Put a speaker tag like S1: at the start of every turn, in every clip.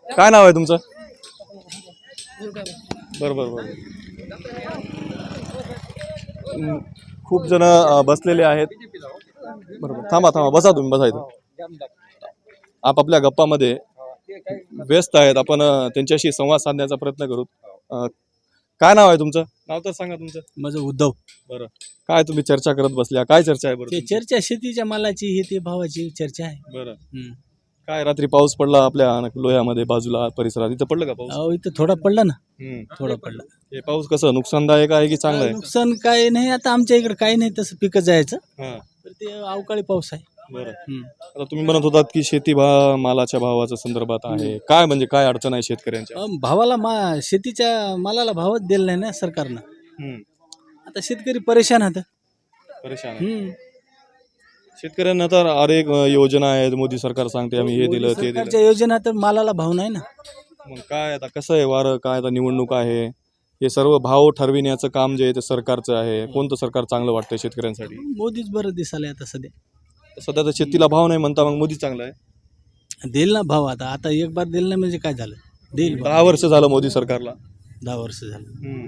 S1: काय नाव आहे तुमचं? बरं बरं बरं. खूप जण बसलेले आहेत. बरोबर, थांबा थांबा, बसा तुम्ही, बसा इथं. आपापल्या गप्पामध्ये व्यस्त आहेत. आपण त्यांच्याशी संवाद साधण्याचा प्रयत्न करू. काय नाव आहे तुमचं? नाव तर सांगा तुमचं.
S2: माझं उद्धव.
S1: बरं, काय तुम्ही चर्चा करत बसल्या? काय चर्चा आहे बरं
S2: ते
S1: तुमची?
S2: चर्चा शेतीच्या मालाची हे ते भावाची चर्चा आहे.
S1: बरं, काय रात्री पाऊस पडला आपल्या लोह्यामध्ये बाजूला परिसरात, इथं पडलं का पाऊस?
S2: अहो इथं थोडा पडला ना,
S1: हम्म.
S2: थोडा पडला.
S1: हे पाऊस कसं नुकसानदायक आहे की चांगलं आहे?
S2: नुकसान काय नाही, आता आमच्या इकडे काही नाही तसं पिकं जायचं,
S1: हां,
S2: तर ते अवकाळी पाऊस आहे.
S1: बरं. आता तुम्ही म्हणत होतात की शेती मालाच्या भावाच्या संदर्भात आहे, काय म्हणजे काय अडचण आहे शेतकऱ्यांच्या?
S2: भावाला शेतीच्या मालाला भावच दिला नाही ना सरकारनं.
S1: हम्म.
S2: आता शेतकरी परेशान आहेत.
S1: परेशान आहे. शेतकऱ्यांना तर अनेक योजना आहेत, मोदी सरकार सांगते आम्ही हे दिलं ते दिलं.
S2: सरकारच्या योजना तर मालाला भाव नाही ना.
S1: मग काय आता कसं आहे वारं, काय आता निवडणूक आहे, हे सर्व भाव ठरविण्याचं काम जे आहे ते सरकारचं आहे. कोणतं सरकार चांगलं वाटतंय शेतकऱ्यांसाठी?
S2: मोदीच बरं दिसायला आता सध्या.
S1: सध्या तर शेतीला भाव नाही म्हणता, मग मोदी चांगला आहे.
S2: देईल ना भाव, आता आता एक बार दिलं नाही म्हणजे काय झालं, देईल भाव.
S1: 10 वर्ष झालं मोदी सरकारला.
S2: 10 वर्ष झालं.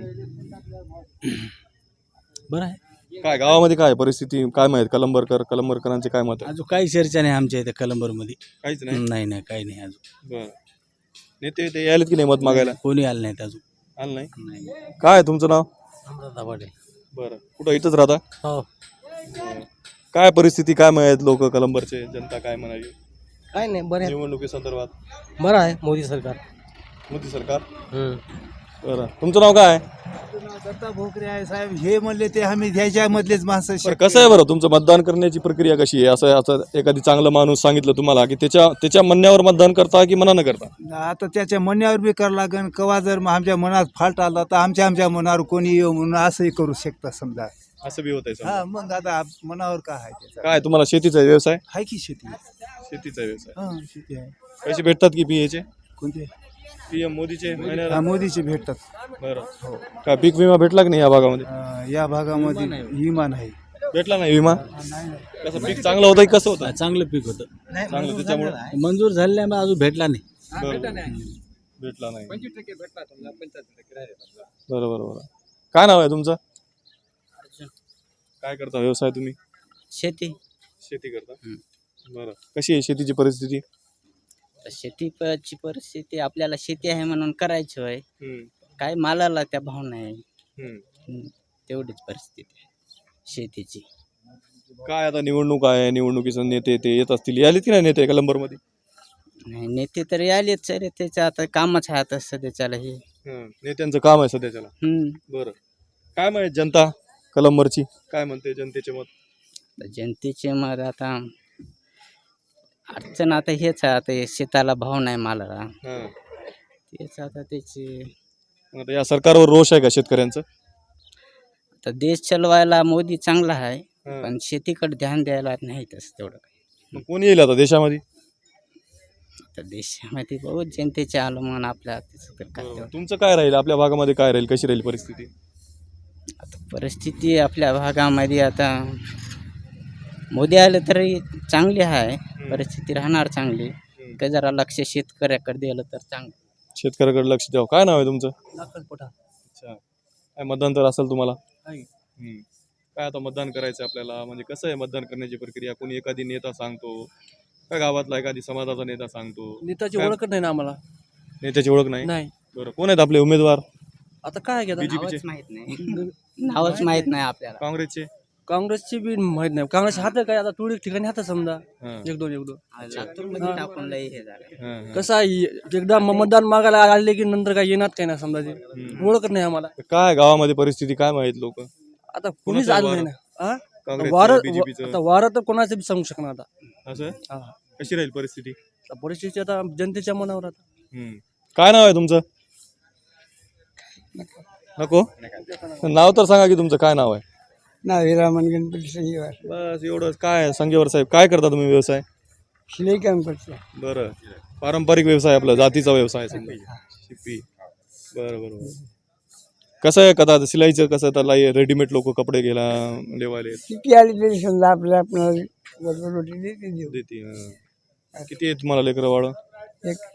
S2: बरं आहे.
S1: काय गावामध्ये काय परिस्थिती काय माहित? कलंबरकरांचे काय मत आहे?
S2: अजून काही चर्चा नाही आमच्या इथे कलंबरमध्ये.
S1: काहीच नाही.
S2: नाही नाही, काही नाही अजून.
S1: बरं, नेते ते यायलेत की नाही मत मागायला?
S2: कोणी आलं नाहीत अजून.
S1: आलं नाही.
S2: नाही.
S1: काय आहे तुमचं नाव?
S2: दाभाडे.
S1: बरं, कुठं इथंच राहता?
S2: हो.
S1: काय परिस्थिती काय माहित? लोक कलंबरचे जनता काय म्हणावी
S2: काय नाही, बरं
S1: निवडणुकी संदर्भात?
S2: बरं आहे मोदी सरकार.
S1: मोदी सरकार. बरं, तुमचं नाव काय आहे?
S3: दत्ता भोकरे आहे साहेब. हे म्हणले ते आम्ही ह्याच्यामधलेच माणसं.
S1: बरं, कसं आहे बरं तुमचं मतदान करण्याची प्रक्रिया कशी आहे? असं असं एखादी चांगला माणूस सांगितलं तुम्हाला की त्याच्या म्हणण्यावर मतदान करता की मनानं करता?
S3: आता त्याच्या म्हणण्यावर बी करावं लागेल. कवा जर आमच्या मनात फाल्ट आला तर आमच्या मनावर कोणी येऊ म्हणून असंही करू शकता समजा.
S1: असं बी होतंय समजा.
S3: हा, मग आता मनावर काय आहे त्याचा?
S1: काय तुम्हाला शेतीचा व्यवसाय?
S3: आहे की शेती.
S1: शेतीचा व्यवसाय.
S3: हा, शेती आहे.
S1: पैसे भेटतात की पीएचे?
S3: कोणते?
S1: पीएम मोदीचे महिन्याला?
S3: हा, मोदीचे भेटतात.
S1: बरं, काय पीक विमा भेटला की नाही या भागामध्ये?
S3: या भागामध्ये विमा नाही.
S1: भेटला नाही विमा? कसं पीक चांगलं होतं की कसं होतं?
S2: चांगलं पीक होतं.
S1: चांगलं, त्याच्यामुळे
S2: मंजूर झालेलं आहे, अजून भेटला नाही.
S1: भेटला नाही. बरोबर बरोबर. काय नाव आहे तुमचं? काय करता व्यवसाय तुम्ही?
S4: शेती.
S1: शेती करता. बरं, कशी आहे शेतीची परिस्थिती?
S4: शेतीची परिस्थिती आपल्याला शेती आहे म्हणून करायची होय. काय मालाला त्या भाव नाही. तेवढीच परिस्थिती आहे शेतीची.
S1: काय आता निवडणूक आहे, निवडणुकीचे नेते ते येत असतील, यायलेत की नाही नेते कलंबरमध्ये?
S4: नाही, नेते तर आलेच सर, त्याचं आता कामच आहे आता सध्याच्याला हे.
S1: नेत्यांचं काम आहे सध्याच्याला. बरं, काय माहित जनता कलंबरची काय म्हणते, जनतेचे मत?
S4: जनतेचे मत आता अडचण आता हेच आहे, आता हे शेताला भाव नाही मालाला. तेच आता त्याची.
S1: आता या सरकारवर रोष आहे का शेतकऱ्यांचं?
S4: आता देश चालवायला मोदी चांगला आहे, पण शेतीकडे ध्यान द्यायला नाही तसं तेवढं काही.
S1: मग कोणी येईल आता देशामध्ये?
S4: आता देशामध्ये बहुत जनतेचे आलं म्हणून आपल्या त्याचं तर काय तेवढं.
S1: तुमचं काय राहील, आपल्या भागामध्ये काय राहील, कशी राहील परिस्थिती?
S4: आता परिस्थिती आपल्या भागामध्ये आता मोदी आले तरी चांगली आहे, परिस्थिती राहणार चांगली. का जरा लक्ष शेतकऱ्याकडे दिलं तर चांगलं.
S1: शेतकऱ्याकडे लक्ष द्यावं. काय नाव आहे तुमचं?
S2: लाकडपोटा.
S1: अच्छा, काय मतदान तर असेल तुम्हाला? काय आता मतदान करायचं आपल्याला, म्हणजे कसं आहे मतदान करण्याची प्रक्रिया? कोणी एखादी नेता सांगतो का गावातला एखादी समाजाचा नेता सांगतो?
S2: नेताची
S1: काय?
S2: ओळखच नाही ना आम्हाला.
S1: नेत्याची ओळख नाही?
S2: नाही.
S1: बरं, कोण आहेत आपले उमेदवार?
S2: आता काय घेतात?
S1: बीजेपीचे?
S4: नावच माहित नाही. नावच माहित नाही आपल्याला.
S1: काँग्रेसचे?
S2: काँग्रेसची बी माहित नाही. काँग्रेस हात काय आता तुरळक ठिकाणी हात समजा एक दोन.
S4: लातूरमध्ये टाकून लई हे झालं.
S2: कसं आहे, एकदा मतदान मागायला आले की नंतर काय येणार काय ना समजा, ते ओळखत नाही आम्हाला.
S1: काय गावामध्ये परिस्थिती काय माहित लोक?
S2: आता कोणीच आलं नाही ना.
S1: काँग्रेसचं, बीजेपीचं?
S2: आता वारं तर कोणाचं बी सांगू शकणार आता.
S1: असं कशी राहील परिस्थिती?
S2: आता परिस्थिती आता जनतेच्या मनावर आता.
S1: काय नाव आहे तुमचं? नको नाव तर सांगा की तुमचं काय नाव आहे?
S5: विरामन गणपती संजीवर.
S1: बस एवढंच. काय संगेवर साहेब काय करता तुम्ही व्यवसाय?
S5: शिलाई काम करतो.
S1: बरं, पारंपरिक व्यवसाय आपला, जातीचा व्यवसाय समजा, शिपी. बरं बरं बरं. कसं आहे कथा शिलाईचं, कसं त्याला रेडीमेड लोक कपडे घ्यायला लेवायले
S5: किती आली तरी समजा आपल्याला रोटी देते देऊ.
S1: देते. किती आहे तुम्हाला लेकरं वाढ?
S5: एक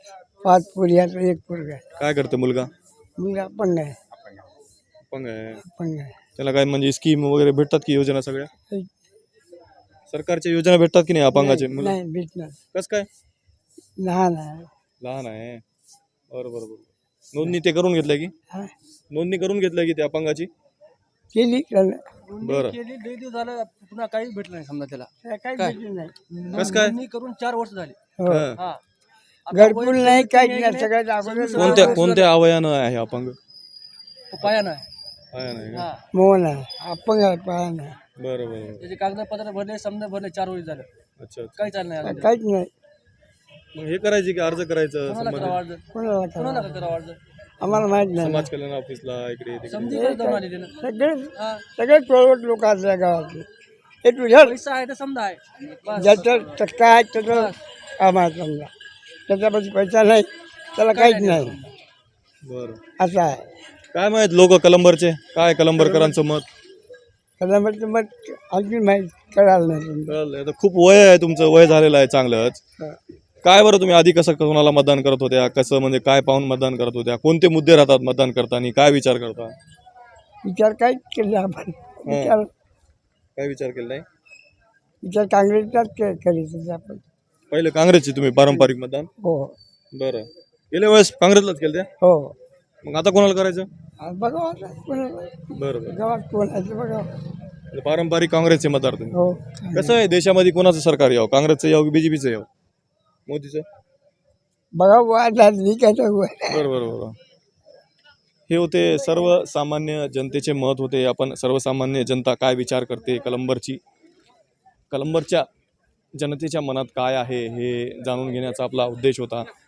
S5: 5 पोरी आहेत, 1 पोरगा आहे.
S1: काय करते मुलगा?
S5: मुलगा अपंग आहे.
S1: अपंग आहे.
S5: अपंग आहे.
S1: त्याला काय म्हणजे स्कीम वगैरे भेटतात की योजना सगळ्या? सरकारच्या योजना भेटतात की नाही अपंगाचे मुलं?
S5: नाही भेटणार.
S1: कस काय?
S5: लहान आहे.
S1: लहान आहे. बरोबर बरोबर. नोंदणी ते करून घेतलं की?
S5: हा?
S1: नोंदणी करून घेतलं की ते अपंगाची?
S5: केली त्याला.
S1: बरं.
S2: केली 2 दिवस झालं पुन्हा काहीच भेटलं नाही समजा त्याला.
S5: काही
S2: काय?
S5: भेटलं नाही.
S1: कस काय?
S2: नोंदणी करून 4 वर्ष झाली.
S5: हो.
S1: हा.
S2: हा.
S5: घरकुल नाही, काहीच नाही. सगळ्यात अगोदर
S1: कोणत्या अवयानं आहे अपंग?
S2: पायानं आहे.
S1: आहे नाही का?
S2: हा.
S5: मोहन आहे. अपंग आहे, पाया नाही.
S1: बरं बरं.
S2: त्याचे कागदपत्र भरले, समजा भरले, 4 वर्ष झालं.
S1: अच्छा अच्छा.
S2: काही चाललं नाही अजून.
S5: काहीच नाही.
S1: मग हे करायचे की अर्ज करायचं
S2: कोणाला
S1: संबंधित
S2: करावं अर्ज?
S5: कोणाला
S2: कोणाला
S5: करावं?
S2: करावं अर्ज?
S5: आम्हाला माहित नाही.
S1: समाज कल्याण ऑफिसला इकडे तिकडे?
S2: समजी काय जाऊन आली त्यानं.
S5: सगळे
S2: हा.
S5: सगळे टोळवट लोक असल्या गावातले. हे तुझ्या
S2: पैसा आहे तर समजा आहे. बस.
S5: ज्याचं टक्का आहे त्याचं आम्हाला समजा. त्याच्यापाशी पैसा नाही त्याला काहीच नाही.
S1: बरं.
S5: असं आहे.
S1: काय माहित लोक कलंबरचे काय कलंबरकरांचं मत?
S5: त्याच्यामध्ये मग आणखी माहीत कळालं नाही तुम्ही.
S1: कळलं. आता खूप वय आहे तुमचं, वय झालेलं आहे चांगलंच. काय बरं तुम्ही आधी कसं कोणाला मतदान करत होत्या, कसं म्हणजे काय पाहून मतदान करत होत्या, कोणते मुद्दे राहतात मतदान करताना, काय विचार करता?
S5: विचार काहीच केले आपण. विचार
S1: काय विचार केला नाही?
S5: विचार काँग्रेसचाच करीत होते आपण.
S1: पहिले काँग्रेसचे तुम्ही पारंपरिक मतदान?
S5: हो
S1: बरं. गेल्या वेळेस काँग्रेसलाच केलं त्या?
S5: हो.
S1: मग आता कोणाला करायचं?
S5: आज बघा आता कोणाला
S1: बरं बरं.
S5: गावात कोण आहे ते बघा.
S1: पारंपरिक काँग्रेसचे मतदार तुम्ही.
S5: हो.
S1: कसं आहे देशामध्ये कोणाचं सरकार यावं, काँग्रेसचं यावं की बीजेपीचं यावं, मोदीचं?
S5: बघा वाद झाली काय तर
S1: बरं बरं बरं. हे होते सर्वसामान्य जनतेचे मत होते. आपण सर्वसामान्य जनता काय विचार करते कलंबरच्या जनतेच्या मनात काय आहे हे जाणून घेण्याचा आपला उद्देश होता.